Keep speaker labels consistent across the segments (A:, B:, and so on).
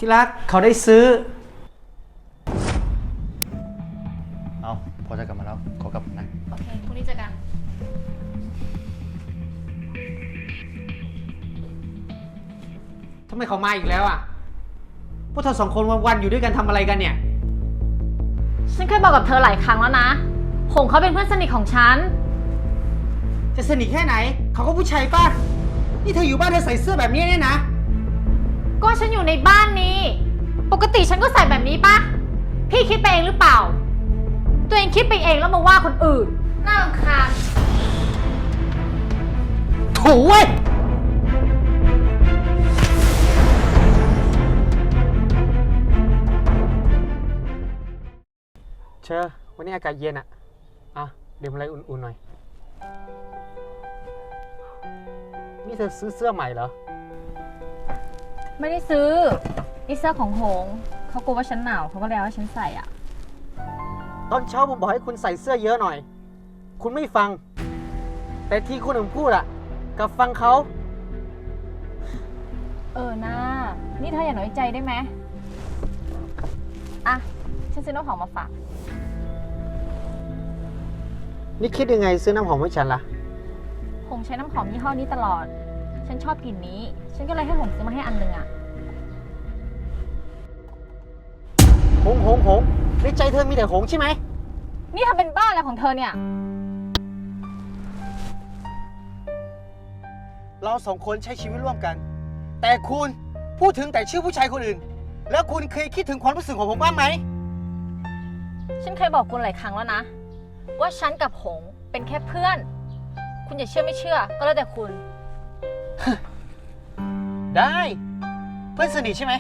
A: ที่รักเขาได้ซื้อ
B: เอาพอจะกลับมาแล้วขอกลับนะ
C: โอเคพรุ่งนี้เจอกัน
A: ทำไมเขามาอีกแล้วอ่ะพวกเธอสองคนวันๆอยู่ด้วยกันทำอะไรกันเนี่ย
C: ฉันเคยบอกกับเธอหลายครั้งแล้วนะหงเขาเป็นเพื่อนสนิทของฉัน
A: จะสนิทแค่ไหนเขาก็ผู้ชายป่ะนี่เธออยู่บ้านเธอใส่เสื้อแบบนี้เนี่ยนะ
C: ก็ฉันอยู่ในบ้านนี้ปกติฉันก็ใส่แบบนี้ป่ะพี่คิดไปเองหรือเปล่าตัวเองคิดไปเองแล้วมาว่าคนอื่นน่ารำคาญ
A: โถ่เว้ยเชอวันนี้อากาศเย็นอ่ะดื่มอะไรอุ่นๆหน่อยนี่เธอซื้อเสื้อใหม่เหรอ
C: ไม่ได้ซื้อนี่เสื้อของหงเขากลัวว่าฉันหนาวเขาก็เลยเอาให้ฉันใส่อ่ะ
A: ตอนเช้าผมบอกให้คุณใส่เสื้อเยอะหน่อยคุณไม่ฟังแต่ที่คนอื่นพูดกับฟังเขา
C: นะนี่เธออย่าน้อยใจได้ไหมอ่ะฉันซื้อน้ำหอมมาฝาก
A: นี่คิดยังไงซื้อน้ำหอมให้ฉันล่ะ
C: หงใช้น้ำหอมยี่ห้อนี้ตลอดฉันชอบกลิ่นนี้ฉันก็เลยให้หงซื้อมาให้อันหนึ่งอ่ะ
A: หงในใจเธอมีแต่หงใช่ไหม
C: นี่เธอเป็นบ้าอะไรของเธอเนี่ย
A: เราสองคนใช้ชีวิตร่วมกันแต่คุณพูดถึงแต่ชื่อผู้ชายคนอื่นแล้วคุณเคยคิดถึงความรู้สึกของผมบ้างไหม
C: ฉันเคยบอกคุณหลายครั้งแล้วนะว่าฉันกับหงเป็นแค่เพื่อนคุณอย่าเชื่อไม่เชื่อก็แล้วแต่คุณ
A: ได้เพื่อนสนิทใช่ไหม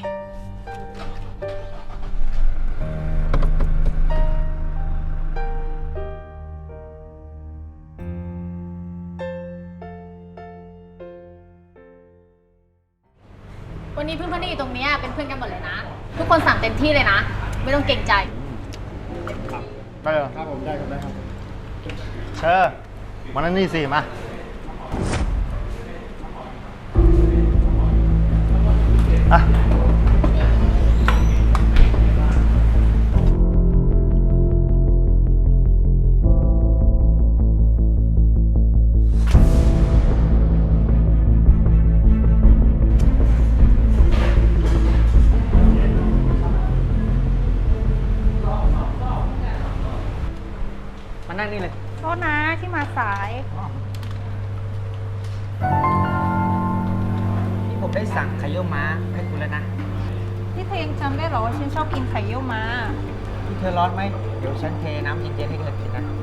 C: วันนี้เพื่อนๆที่อยู่ตรงนี้เป็นเพื่อนกันหมดเลยนะทุกคนสั่งเต็มที่เลยนะไม่ต้องเกรงใจ
B: ได้เหรอครับผมได้ครับเชิญมานั่นนี่สิมาอ่ะ
A: มานั่งนี่เลย
C: โทษนะที่มาสาย
A: นี่ผมได้สั่งไข่เยี่ยวม้าให้คุณแล้วนะ
C: นี่เธอยังจำได้หรอว่าฉันชอบกินไข่เยี่ยวม้า
A: ที่เธอร้อนไหมเดี๋ยวฉันเทน้ำเย็นๆให้เธอกินนะ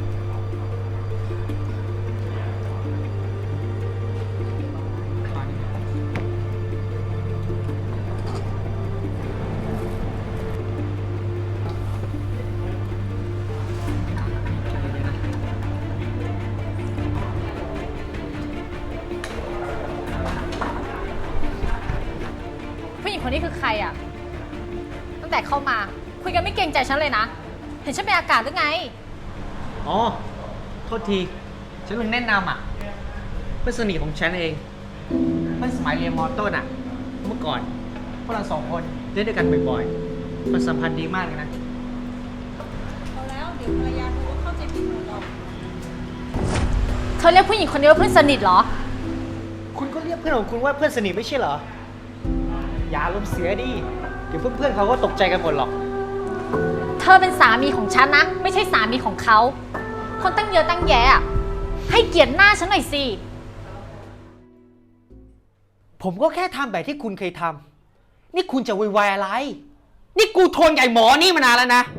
C: ผู้หญิงคนนี้คือใครอ่ะตั้งแต่เข้ามาคุยกันไม่เกรงใจฉันเลยนะเห็นฉันเป็นอากาศหรือไง
A: อ๋อโทษทีฉันลืมแนะนำเพื่อนสนิทของฉันเองเพื่อนสมัยเรียนม.ต้นเมื่อก่อนพวกเราสองคนเล่นด้วยกันบ่อยๆความสัมพันธ์ดีมากเลยนะ
C: เอาแล้วเดี๋ยวภรรยาเธอก็เข้าใจผิดหมดหรอกเธอเรียกผู้หญิงคนนี้ว่าเพื่อนสนิทเหรอ
A: คุณก็เรียกเพื่อนของคุณว่าเพื่อนสนิทไม่ใช่เหรออย่าอารมณ์เสียดิเดี๋ยวเพื่อนๆเขาก็ตกใจกันหมดหรอก
C: เธอเป็นสามีของฉันนะไม่ใช่สามีของเขาคนตั้งเยอะตั้งแยะให้เกียรติหน้าฉันหน่อยสิ
A: ผมก็แค่ทำแบบที่คุณเคยทำนี่คุณจะวุ่นวายอะไรนี่กูทนใหญ่หมอนี่มานานแล้วนะ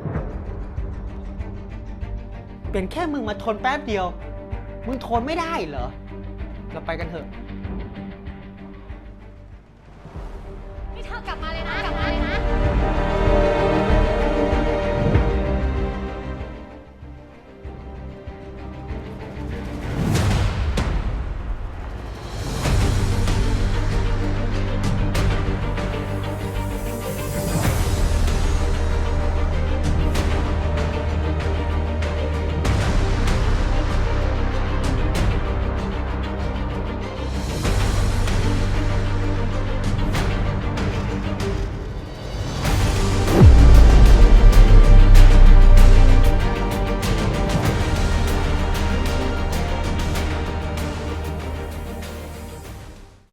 A: เป็นแค่มึงมาทนแป๊บเดียวมึงทนไม่ได้เหรอเราไปกันเถอะ
C: นี่เธอกลับมาเลยนะ